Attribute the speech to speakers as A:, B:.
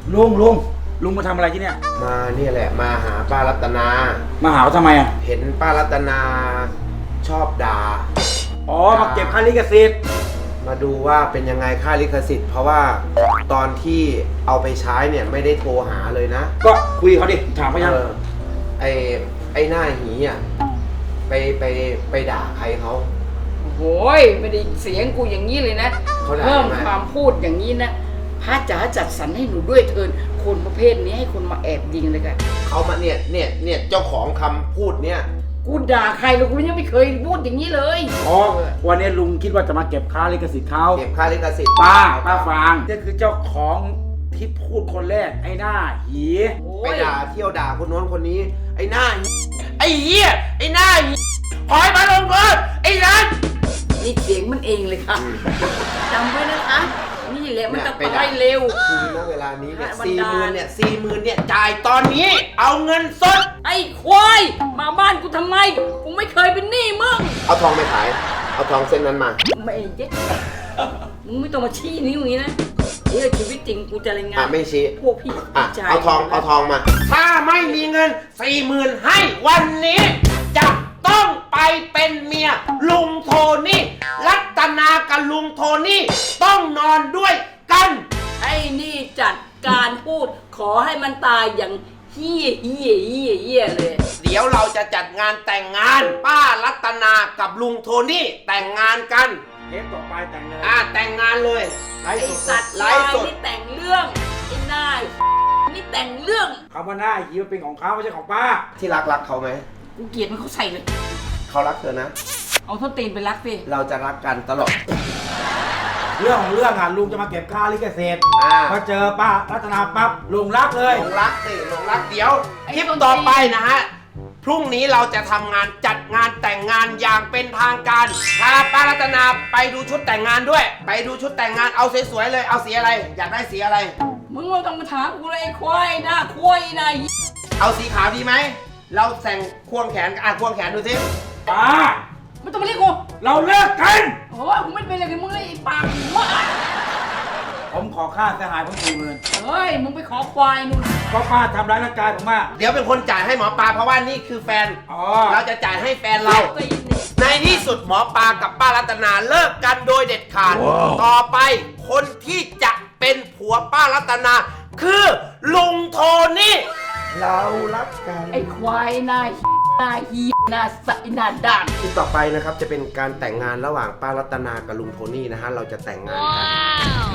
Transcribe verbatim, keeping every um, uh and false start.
A: ลุงลุงลุงมาทำอะไรที่เนี่ย
B: มาเนี่ยแหละมาหาป้ารัตนา
A: มาหาเขาทำไมอ่ะ
B: เห็นป้ารัตนาชอบด่า
A: อ๋อมาเก็บค่าลิขสิทธิ์
B: มาดูว่าเป็นยังไงค่าลิขสิทธิ์เพราะว่าตอนที่เอาไปใช้เนี่ยไม่ได้โทรหาเลยนะ
A: ก็คุยเขาดิถามเขายัง
B: เออไอไอหน้าหีอ่ะไปไปไปด่าใครเขา
C: โอ้ยไม่ได้เสียงกูอย่างนี้เลยนะ
B: เขาด่า
C: เพิ่ม
B: ทำไม
C: ความพูดอย่างนี้นะพระจ๋าจัดสรรให้หนูด้วยเถินคนประเภทนี้ให้คนมาแอบยิงเลยกัน
B: เขามาเนี่ยเนี่ยเนี่ยเจ้าของคำพูดเนี่ย
C: กูด่าใครหรอกกูยังไม่เคยพูดอย่างนี้เลย
A: อ๋อวันนี้ลุงคิดว่าจะมาเก็บค่าลิขสิทธิ์เขา
B: เก็บค่าลิขสิทธิ์
A: ป้าป้าฟางนี่คือเจ้าของที่พูดคนแรกไอ้หน้าหี
C: โอ้
B: ไป
C: ย
B: ด่าเที่ยวด่าคนโน้นคนนี้ ไอ้หน้าหีไอ้เหี้ยไอ้หน้าหีขอให้มาลงโทษไอ้นัน
C: นี่เสียงมันเองเลยค่ะจำไว้นะคะนี่แหละมันจะ
B: เนี่ยไปด่า
C: ตายเร็ว
B: คือณเวลานี้เนี่ย
C: พระบัน
B: สี่
C: ดาล
B: หมื่นเนี่ยสี่หมื่นเนี่ยจ่ายตอนนี้ เอาเงินสด
C: ไอ้ควายมาบ้านกูทำไมกูไม่เคยเป็นหนี้มึง
B: เอาทองไปขาย เอาทองเส้นนั้นมา
C: ไม่เจ๊มึงไม่ต้องมาชี้นิ้วอย่างนี้นะเดี๋ยวชีวิตจริงกูจะรายงา
B: อ่ะ
C: น
B: ไม่ชี้
C: พวกพี่
B: อ่ะ
C: ชาย
B: เอาทองเอาทองมา ถ้าไม่มีเงินสี่หมื่นให้วันนี้ จะต้องไปเป็นเมีย ลุงโทนี่ รัตนากับลุงโทนี่ ต้องนอนด้วยกัน
C: ไอ้นี่จัดการพูดขอให้มันตายอย่างเฮี้ยเฮี้ยเฮี้ยเฮี้ยเลย
B: เดี๋ยวเราจะจัดงานแต่งงาน ป้ารัตนากับลุงโทนี่แต่งงานกัน
A: เทปต่อไปแต่งเลย
B: อ่าแต่งงานเลยไล
C: ไอ้
B: ฟ์ส
C: สั
B: ด
C: ตว์
B: ไล
C: ลาย
B: ฟ์สด
C: นี่แต่งเรื่องไอ้นายนี่แต่งเรื่อง
A: คำว่าหน้าหีมันเป็นของเขาไม่ใช่ของป้า
B: ที่รักรักเขาไหม
C: กูเกลียดมันเขาใส่เลย
B: เขารักเธอนะ
C: เอาท่อนตีนไปรักสิ
B: เราจะรักกันตลอด
A: เรื่องของเรื่องอ่ะลุงจะมาเก็บค่าลิขสิทธิ์
B: อ่า
A: พอเจอป้ารัตนาปั๊บลุงรักเลย
B: หลงรักสิหลงรักเดี๋ยวคลิปต่อไปนะฮะ พรุ่งนี้เราจะทำงานจัดงานแต่งงานอย่างเป็นทางการพาป้ารัตนาไปดูชุดแต่งงานด้วย ไปดูชุดแต่งงานเอาสวยๆเลย เอาสีอะไร อยากได้สีอะไร
C: มึงไม่ต้องมาถามกูเลยไอ้ควายหน้าควายนาย
B: เอาสีขาวดีไหม เราแต่งควงแขนอ่ะควงแขนดูสิ
A: ป้า
C: ไม่ต้องมาเรียกกู
A: เราเลิกกัน
C: โอ้ยกูไม่เป็นอะไรกับมึงเลยไอ้ปากหัว
A: ผมขอค่าเสียหายผมสี่หมื่น
C: เฮ้ยมึงไปขอควายนู่น
A: เพราะป้าทำร้ายร่างกายผมมาก
B: เดี๋ยวเป็นคนจ่ายให้หมอปลาเพราะว่านี่คือแฟน
A: อ๋อ
B: เราจะจ่ายให้แฟนเรา
C: ตีนนี่
B: ในที่สุดหมอปลากับป้ารัตนาเลิกกันโดยเด็ดขาด ต่อไปคนที่จะเป็นผัวป้ารัตนา คือลุงโทนี่ เรารักกัน
C: ไอ้ควายหน้าหน้าฮีหน้าใสหน้าด่าน
B: ที่ต่อไปนะครับจะเป็นการแต่งงานระหว่างป้ารัตนากับลุงโทนี่นะฮะเราจะแต่งงานกัน